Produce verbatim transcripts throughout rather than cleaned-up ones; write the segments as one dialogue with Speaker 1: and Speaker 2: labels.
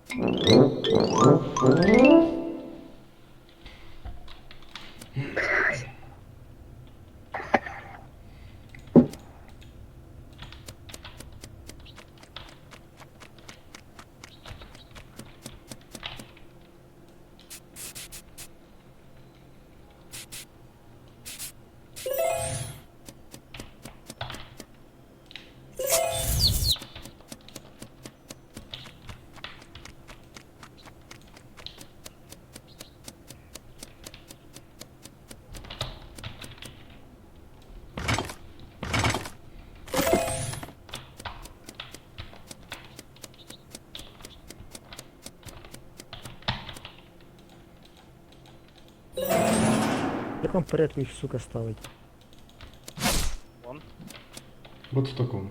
Speaker 1: Як вам порядку їх, сука, ставить?
Speaker 2: Вон.
Speaker 3: Вот в таком.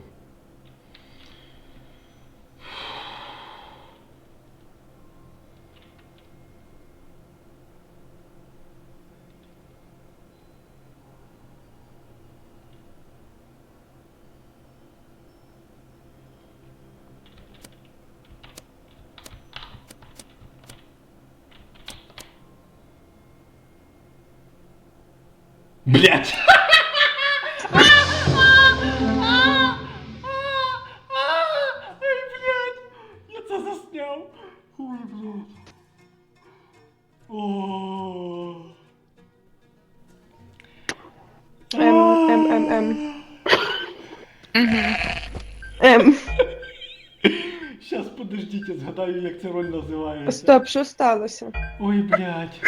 Speaker 3: Блять! Ой, блядь! Я це засняв! Ой, блядь! О.
Speaker 4: М, М, М, М. М.
Speaker 3: Щас, подождіть, згадаю, як ця роль називається.
Speaker 4: Стоп, що сталося?
Speaker 3: Ой, блядь.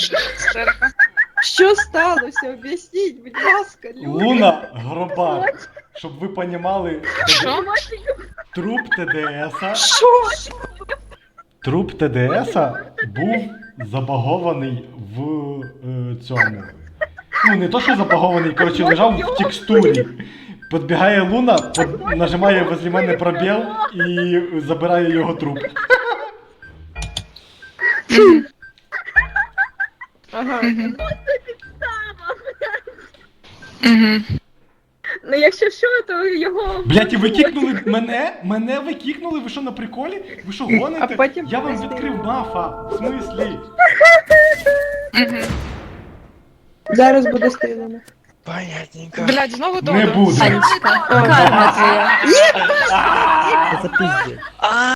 Speaker 4: Що сталося? Об'ясніть, будь ласка, люди.
Speaker 3: Луна Гробак. Щоб ви понімали,
Speaker 5: Що?
Speaker 3: труп ТДСа.
Speaker 4: Що?
Speaker 3: Труп ТДСа був забагований в е, цьому. Ну, не то, що забагований, коротше, лежав в текстурі. Підбігає Луна, под... нажимає возле мене пробіл і забирає його труп.
Speaker 4: Ага.
Speaker 5: Угу.
Speaker 6: Ну якщо що, то його...
Speaker 3: Блять, і ви кікнули мене? Мене ви кікнули? Ви що, на приколі? Ви що, гоните?
Speaker 4: А потім
Speaker 3: Я вам
Speaker 4: просто-
Speaker 3: відкрив мафа. В смислі?
Speaker 5: Угу.
Speaker 4: Зараз буде стріляно.
Speaker 2: Понятненько.
Speaker 5: Блядь, знову
Speaker 3: Не
Speaker 5: Додо.
Speaker 3: буде.
Speaker 5: Анечка, карма твоя.
Speaker 1: Це за пиздец.